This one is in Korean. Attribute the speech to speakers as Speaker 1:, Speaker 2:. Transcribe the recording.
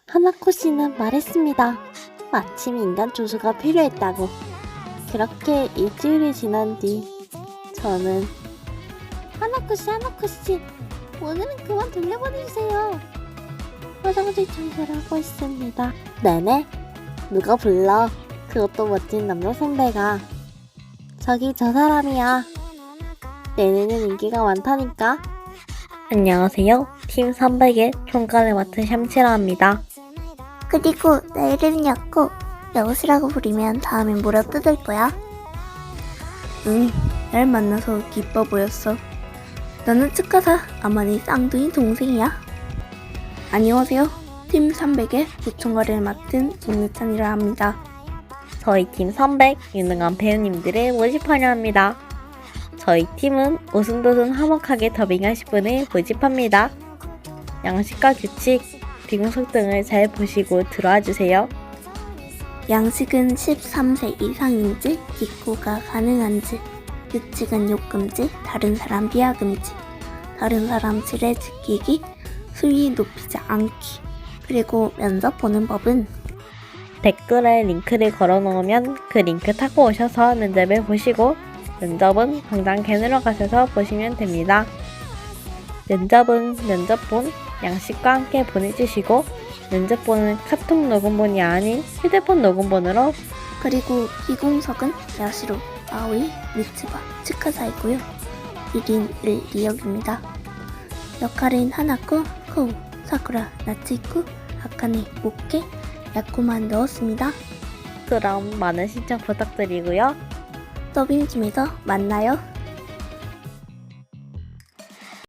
Speaker 1: 하나코 씨는 말했습니다. 마침 인간 조수가 필요했다고. 그렇게 일주일이 지난 뒤 저는 하나코 씨, 오늘은 그만 돌려보내주세요. 화장실 청소를 하고 있습니다. 네네? 누가 불러? 그것도 멋진 남자 선배가. 저기 저 사람이야. 내내는 인기가 많다니까. 안녕하세요. 팀 300의 총괄을 맡은 샴치라 합니다.
Speaker 2: 그리고 내 이름은 였고 여우스라고 부르면 다음엔 물어뜯을 거야.
Speaker 3: 응, 날 만나서 기뻐 보였어. 나는 측가사 아마니 쌍둥이 동생이야. 안녕하세요. 팀 300의 부총괄을 맡은 김유찬이라 합니다.
Speaker 1: 저희 팀 300 유능한 배우님들을 모집하려 합니다. 저희 팀은 오순도순 화목하게 더빙하실 분을 모집합니다. 양식과 규칙, 비공석 등을 잘 보시고 들어와 주세요.
Speaker 3: 양식은 13세 이상인지 기코가 가능한지, 규칙은 욕금지, 다른 사람 비하금지, 다른 사람 지레 지키기, 수위 높이지 않기, 그리고 면접 보는 법은
Speaker 1: 댓글에 링크를 걸어 놓으면 그 링크 타고 오셔서 면접을 보시고 면접은 당장 캔으로 가셔서 보시면 됩니다. 면접은 면접본, 양식과 함께 보내주시고 면접본은 카톡 녹음본이 아닌 휴대폰 녹음본으로
Speaker 3: 그리고 비공석은 야시로, 아오이, 미츠바, 치카사이고요. 1인 1리역입니다. 역할은 하나코, 코우, 사쿠라, 나치쿠, 아카네, 모케, 야코만 넣었습니다.
Speaker 1: 그럼 많은 신청 부탁드리고요.
Speaker 3: 더빙팀에서 만나요.